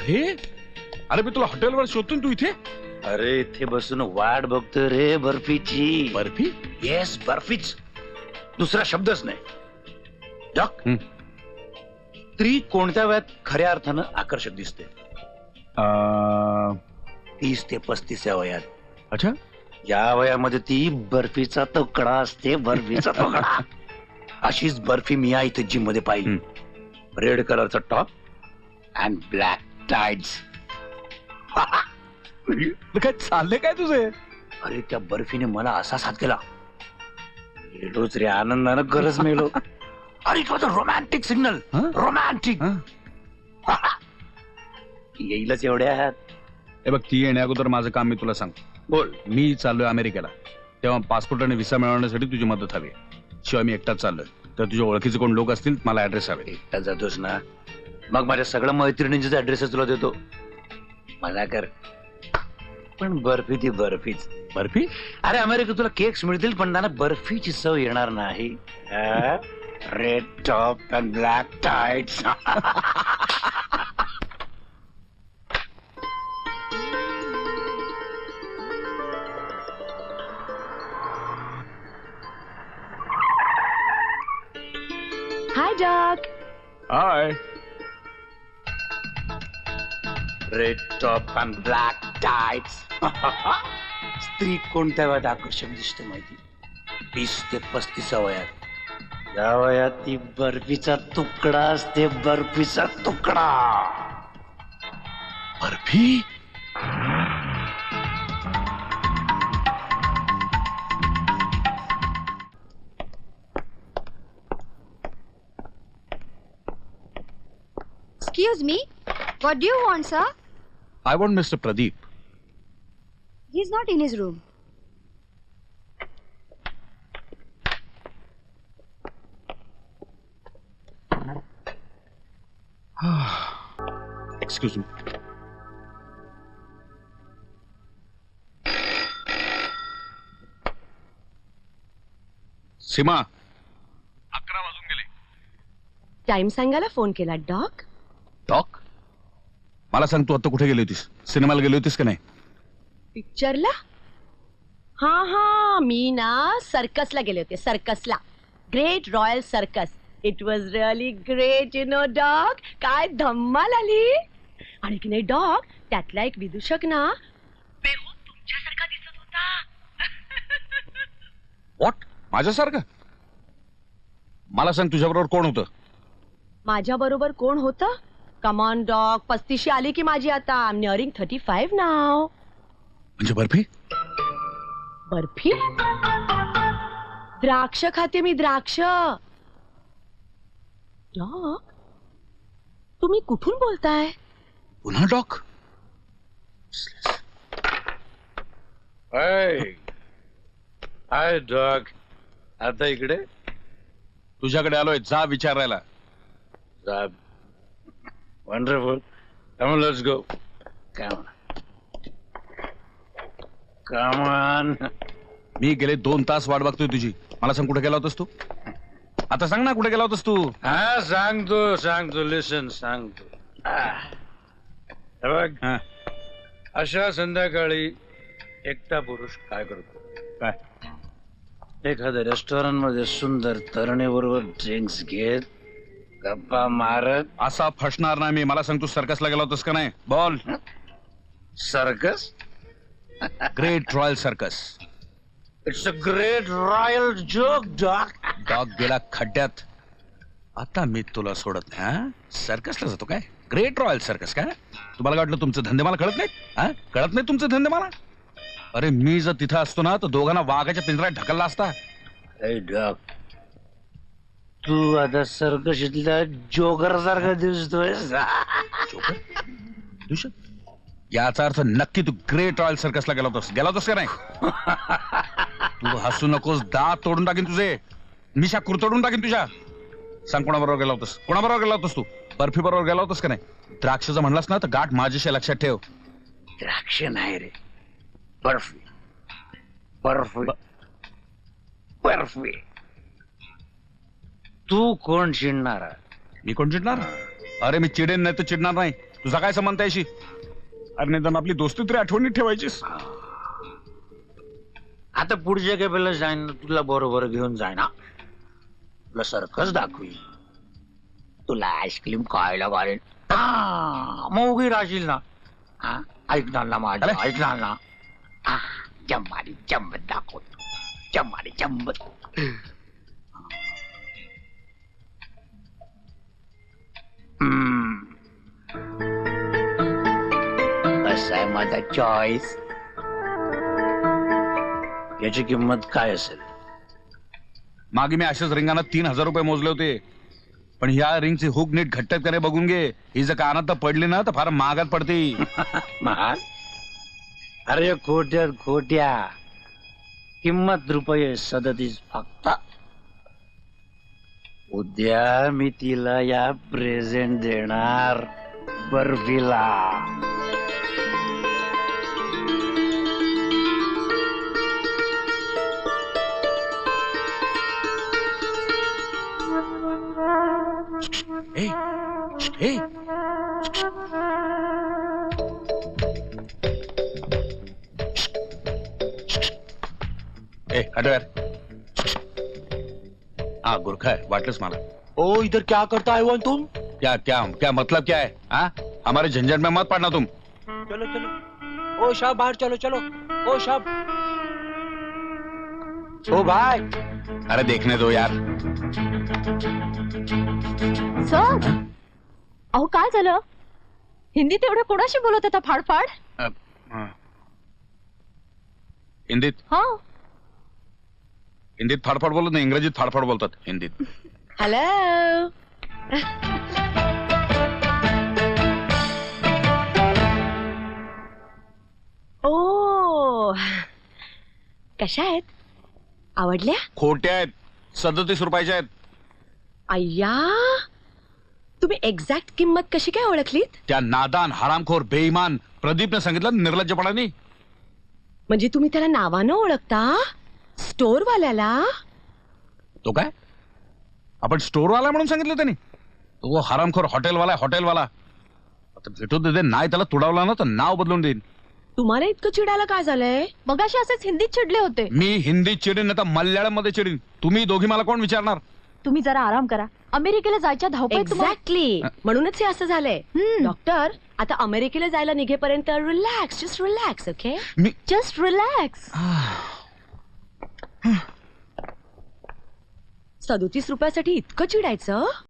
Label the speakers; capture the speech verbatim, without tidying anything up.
Speaker 1: अरे अरे मी तुला हॉटेलवर शोधतोय, तू इथे?
Speaker 2: अरे इथे बसून वाट बघतोय रे बर्फीची.
Speaker 1: बर्फी?
Speaker 2: येस, बर्फीच, दुसरा शब्दच नाही. डॉक, स्त्री कोणत्या वयात खऱ्या अर्थानं आकर्षक दिसते? तीस ते पस्तीस या वयात.
Speaker 1: अच्छा,
Speaker 2: या वयामध्ये ती बर्फीचा तुकडा असते, बर्फीचा तुकडा. अशीच बर्फी मी या इथे जिम मध्ये पाहिली. रेड कलरचा टॉप अँड ब्लॅक टाइड्स.
Speaker 1: काय चाललंय काय तुझे?
Speaker 2: अरे त्या बर्फीने मला असा साथ केला, गेलोच रे आनंदानं, गरज मेलो. अरे it was a romantic signal. Romantic. येईलच एवढ्यात.
Speaker 1: हे बघ, ती येण्या अगोदर माझं काम मी तुला सांगतो.
Speaker 2: बोल.
Speaker 1: मी चाललोय अमेरिकेला, तेव्हा पासपोर्ट आणि व्हिसा मिळवण्यासाठी तुझी मदत हवी. शिवाय मी एकटाच चाललोय, तर तुझ्या ओळखीचे कोण लोक असतील मला ऍड्रेस हवे.
Speaker 2: एकटा जातोस ना, मग माझ्या सगळ्या मैत्रिणींचे ऍड्रेस तुला देतो. मजा कर. पण बर्फी ती बर्फीच.
Speaker 1: बर्फी?
Speaker 2: अरे अमेरिकेत तुला केक्स मिळतील, पण ना बर्फीची चव येणार नाही. Red top and black tights.
Speaker 3: Hi, Doc.
Speaker 1: Hi.
Speaker 2: Red top and black tights. स्त्री कोणत्या वयात आकर्षक दिसते माहिती? वीस ते पस्तीस वयात. या वयात ती बर्फीचा तुकडा असते, बर्फीचा तुकडा.
Speaker 1: Barfi?
Speaker 3: Excuse me. What do you want, sir?
Speaker 1: I want Mister Pradeep.
Speaker 3: He's not in his room.
Speaker 1: Excuse me. सीमा, अकरा वाजून गेले.
Speaker 3: टाइम सांगायला फोन केला, डॉक.
Speaker 1: डॉक, मला सांग, तू आता कुठे गेली होतीस? सिनेमाला गेली होतीस का नाही?
Speaker 3: पिक्चरला? हा हा, मी ना सर्कसला गेले होते. सर्कसला, great royal circus. It was really great, you know dog. काय धम्माल आली. आणि की नाही डॉग, त्यातला एक विदूषक ना बेहूद तुमच्यासारखा दिसत होता.
Speaker 1: व्हॉट? माझ्यासारखं? मला सांग, तुझ्याबरोबर कोण होतं?
Speaker 3: माझ्या बरोबर कोण होतं? कमॉन डॉग, पस्तीशी आली की माझी आता. I am nearing thirty five नाव.
Speaker 1: म्हणजे बर्फी?
Speaker 3: बर्फी? द्राक्ष खाते मी, द्राक्ष. डॉग, तुम्ही कुठून बोलताय?
Speaker 1: पुन्हा डॉक?
Speaker 2: हाय डॉग, आता इकडे?
Speaker 1: तुझ्याकडे आलोय, जा विचारायला.
Speaker 2: Wonderful. Come on, let's go. Come on. Come on.
Speaker 1: मी गेले दोन तास वाट बघतोय तुझी. मला सांग, कुठे गेला होतास तू? आता सांग ना, कुठे गेला होतास तू?
Speaker 2: हा सांगतो सांगतो लिसन सांगतो. बघ, अशा संध्याकाळी एकटा पुरुष काय करतो?
Speaker 1: काय?
Speaker 2: एखाद्या रेस्टॉरंट मध्ये सुंदर तरुणीबरोबर ड्रिंक्स घेत, गप्पा मारत.
Speaker 1: असा फसणार नाही मी. मला सांग, तू सर्कसला गेला होतास का नाही? बोल.
Speaker 2: Circus?
Speaker 1: Great royal circus.
Speaker 2: It's a great royal joke dog.
Speaker 1: Dog गेला खड्ड्यात. आता मी तुला सोडत नाही. हा, सर्कसला जातो काय? ग्रेट रॉयल सर्कस काय? तुम्हाला काय वाटलं तुमचे धंदे मला कळत नाही? हा, कळत नाही तुमचे धंदे मला? अरे मी जर तिथं असतो ना, तर दोघांना वाघाच्या पिंजऱ्यात ढकलला असता.
Speaker 2: डॉग, तू आता सर्कशीतल्या जोकर सारखा दिसतोय.
Speaker 1: याचा अर्थ नक्की तू ग्रेट रॉयल सर्कसला गेला होतास. गेला होतास का नाही? तू हसू नकोस, दात तोडून टाकीन तुझे. मिशा कुरतडून टाकीन तुझ्या. सांग, कोणाबरोबर गेला होतास? कोणाबरोबर गेला होतास तू? बर्फी बरोबर गेला होतास का नाही? द्राक्षाचं म्हणलास ना, तर गाठ माझ्याशी लक्षात ठेव.
Speaker 2: द्राक्ष नाही रे, बर्फी. बर्फी बर्फी. तू कोण चिडणार?
Speaker 1: मी कोण चिडणार? अरे मी चिडेन नाही तर चिडणार नाही. तुझा काय संबंध त्याशी? अरे निदान आपली दोस्ती तरी आठवणीत ठेवायचीस.
Speaker 2: आता पुढच्या केपेला जाईन ना, तुला बरोबर घेऊन जाय ना, तुला सर्कस दाखवी, तुला आईस्क्रीम खायला घालेन. हा, मग उभी राहशील ना. हा, ऐकणार ना माझं,
Speaker 1: अरे.
Speaker 2: ऐकणार ना. हा, चम्मारी चंबत दाखवतो, चम्मारी चंबत. हम्म. कसा आहे माझा चॉईस? याची किंमत काय असेल?
Speaker 1: मागे मी अशाच रिंगाना तीन हजार रुपये मोजले होते, पण ह्या रिंगची हुक नीट घट्ट करे बघून घे. ही जर कानात तर पडली ना तर फार महागात पडते.
Speaker 2: महाग? अरे खोट्या खोट्या, किंमत रुपये सदतीस फक्त. उद्या मी तिला या प्रेझेंट देणार बर्फीला.
Speaker 1: ए, ए. ए, हटो यार. हाँ गुरखा है, वाटलंच मला.
Speaker 2: ओ इधर क्या करता है वन तुम?
Speaker 1: क्या क्या क्या मतलब क्या है? हाँ, हमारे झंझट में मत पड़ना तुम.
Speaker 2: चलो चलो, ओ शाह बाहर चलो चलो, ओ शाह. ओ भाई,
Speaker 1: अरे देखने दो यार.
Speaker 4: सर अहो काय झालं? हिंदीत एवढं कोणाशी बोलत होता फाडफाड?
Speaker 1: अ, हाँ. हिंदीत
Speaker 4: हा
Speaker 1: हिंदीत फाडफाड बोलत नाही, इंग्रजीत फाडफाड बोलतात हिंदीत.
Speaker 3: हॅलो. ओ, कशा आहेत? आवडल्या?
Speaker 1: खोट्या आहेत, सदतीस रुपयाच्या आहेत.
Speaker 3: अय्या, तुम्ही एक्झॅक्ट किंमत कशी काय ओळखलीत?
Speaker 1: त्या नादान हरामखोर बेईमान प्रदीपने सांगितलं निर्लज्जपणाने.
Speaker 3: म्हणजे तुम्ही त्याला नावानं ओळखता? स्टोर वाल्याला?
Speaker 1: तो काय? आपण स्टोरवाला म्हणून सांगितलं त्यांनी? तो हरामखोर हॉटेलवाला आहे, हॉटेलवाला. आता भेटू दे, नाही त्याला तुडावला ना तर नाव बदलून देईन.
Speaker 3: तुम्हाला इतकं चिडायला काय झालंय?
Speaker 4: मगाशी असेच हिंदीत चिडले होते.
Speaker 1: मी हिंदीत चिडीन नाही तर मल्याळम मध्ये चिडीन. तुम्ही दोघी मला कोण विचारणार?
Speaker 4: तुम्ही जरा आराम करा. अमेरिकेला जायच्या धावपळीत तुम्हाला-
Speaker 3: एक्झॅक्टली, म्हणूनच हे असं झालंय.
Speaker 4: हम्म.
Speaker 3: डॉक्टर, आता अमेरिकेला जायला निघेपर्यंत रिलॅक्स, जस्ट रिलॅक्स. ओके,
Speaker 1: मी
Speaker 4: जस्ट रिलॅक्स.
Speaker 3: सदोतीस रुपयासाठी इतकं चिडायचं?